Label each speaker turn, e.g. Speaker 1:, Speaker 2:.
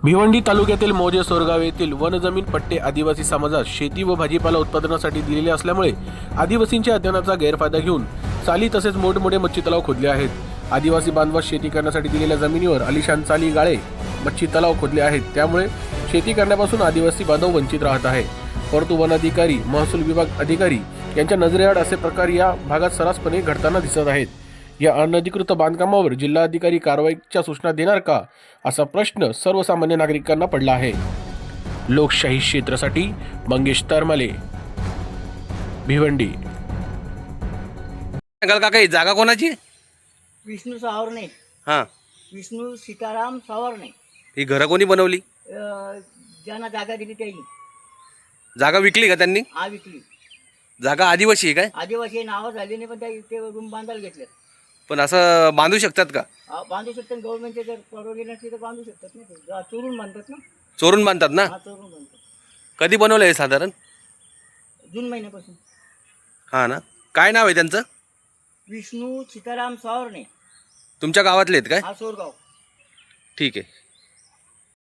Speaker 1: भिवंडी तालुक्यातील मौजे सोरगाव येथील वनजमीन पट्टे आदिवासी समाजास शेती व भाजीपाला उत्पादनासाठी दिलेले असल्यामुळे आदिवासींच्या अध्ययनाचा गैरफायदा घेऊन चाली तसेच मोठमोठे मच्छी तलाव खोदले आहेत. आदिवासी बांधवास शेती करण्यासाठी दिलेल्या जमिनीवर आलिशान चाली गाळे मच्छी तलाव खोदले आहेत. त्यामुळे शेती करण्यापासून आदिवासी बांधव वंचित राहत आहे. परंतु वन अधिकारी, महसूल विभाग अधिकारी यांच्या नजरेआड असे प्रकार या भागात सर्रासपणे घडताना दिसत आहेत. या अनधिकृत बांधकामावर जिल्हाधिकारी कारवाईच्या सूचना देणार का, असा प्रश्न सर्वसामान्य नागरिकांना पडला आहे. लोकशाही क्षेत्रासाठी मंगेश तरमाले, भिवंडी.
Speaker 2: काका ही जागा कोणाची?
Speaker 3: विष्णू सावरणे.
Speaker 2: हां,
Speaker 3: विष्णू सीताराम सावरणे.
Speaker 2: ही घरं कोणी बनवली?
Speaker 3: ज्यांना जागा दिली त्यांनी.
Speaker 2: जागा विकली का त्यांनी?
Speaker 3: हा, विकली.
Speaker 2: जागा आदिवासी आहे काय?
Speaker 3: आदिवासी नावं झाली नाही, पण त्या इथे रूम बांधायला घेतले.
Speaker 2: पण असं बांधू शकतात का?
Speaker 3: बांधू शकतात. गव्हर्नमेंटचे जर परवानगी नसली तर बांधू शकतात ना. ते चोरून बांधतात ना.
Speaker 2: चोरून बांधतात ना?
Speaker 3: हा, चोरून बांधतात.
Speaker 2: कधी बनवलं आहे साधारण?
Speaker 3: जून महिन्यापासून.
Speaker 2: हां ना. काय नाव आहे त्यांचं?
Speaker 3: विष्णू सीताराम सावरणे.
Speaker 2: तुमच्या गावातले आहेत काय?
Speaker 3: हा, सोरगाव.
Speaker 2: ठीक आहे.